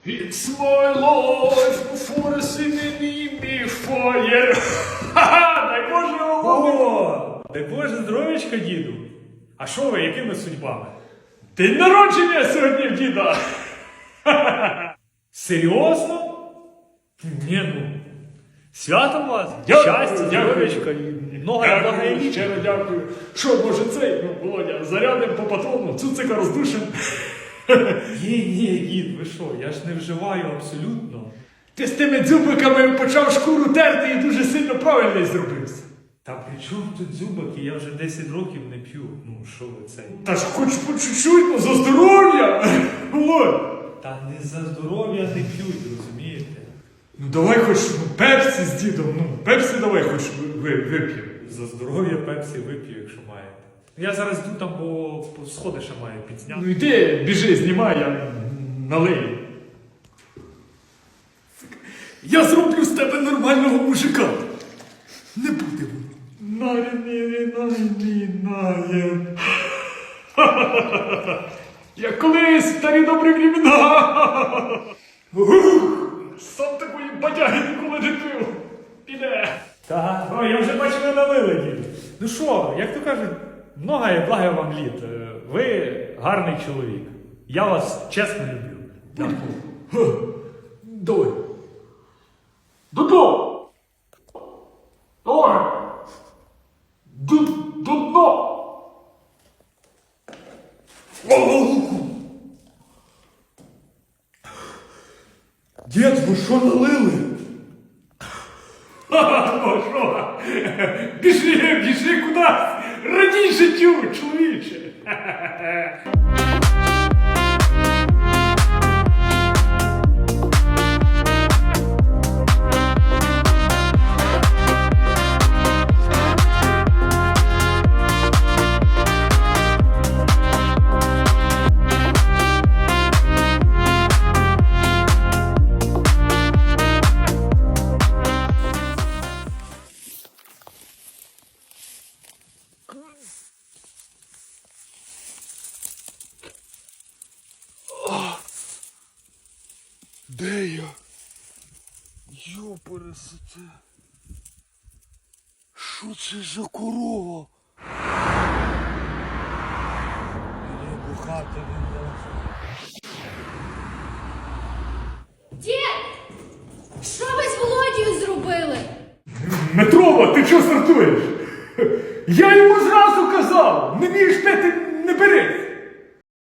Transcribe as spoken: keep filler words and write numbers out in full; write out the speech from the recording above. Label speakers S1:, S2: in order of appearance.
S1: It's my life before a singing me fire. Ха-ха, дай Боже,
S2: О, дай Боже здоров'ячка, діду. А що ви, якими судьбами?
S1: День народження сьогодні в діда.
S2: Серйозно? Ні, ну. Свято вас,
S1: Дякую,
S2: щастя,
S1: дякую.
S2: здоров'ячка і много
S1: Дякую,
S2: благополуччя.
S1: щиро дякую. Що, може цей, ну, Володя, зарядим по патрону, цуцика роздушим.
S2: Ні, ні, дід, ви що, я ж не вживаю абсолютно.
S1: Ти з тими дзюбиками почав шкуру терти і дуже сильно правильно зробився.
S2: Та при чому тут зубики, я вже десять років не п'ю. Ну, що ви це?
S1: Та ж хоч по чуть-чуть, ну, за здоров'я. Володь.
S2: Та не за здоров'я не п'ють, розумієте?
S1: Ну давай хоч ну, пепсі з дідом, ну пепсі давай хоч ви, вип'ємо.
S2: За здоров'я пепсі вип'ю, якщо маєте. Я зараз йду там, бо по сходи ще маю підзняти.
S1: Ну йди, біжи, знімай, я налию. Я зроблю з тебе нормального мужика. Не буде воно. Нарі-нарі-нарі-нарі. Як колись старі добрі времена. Сам такої бадяги ніколи не пив. Піде.
S2: Так, о, я вже бачу, ви налили, дід. Ну що, як то кажуть, много і благо вам літ. Е, Ви гарний чоловік. Я вас чесно люблю. Дякую.
S1: Давай. Додому. Давай. До, до дна.
S2: Дід, ви що налили?
S1: Ха-ха, що? Біжи, біжи кудись. Радій життю, чоловіче.
S3: Де я? Йопересете. Що це за корова? Мені бухати не можна.
S4: Дід! Що ви з Володією зробили?
S1: Метрова, ти чого стартуєш? Я йому зразу казав, не вмієш пити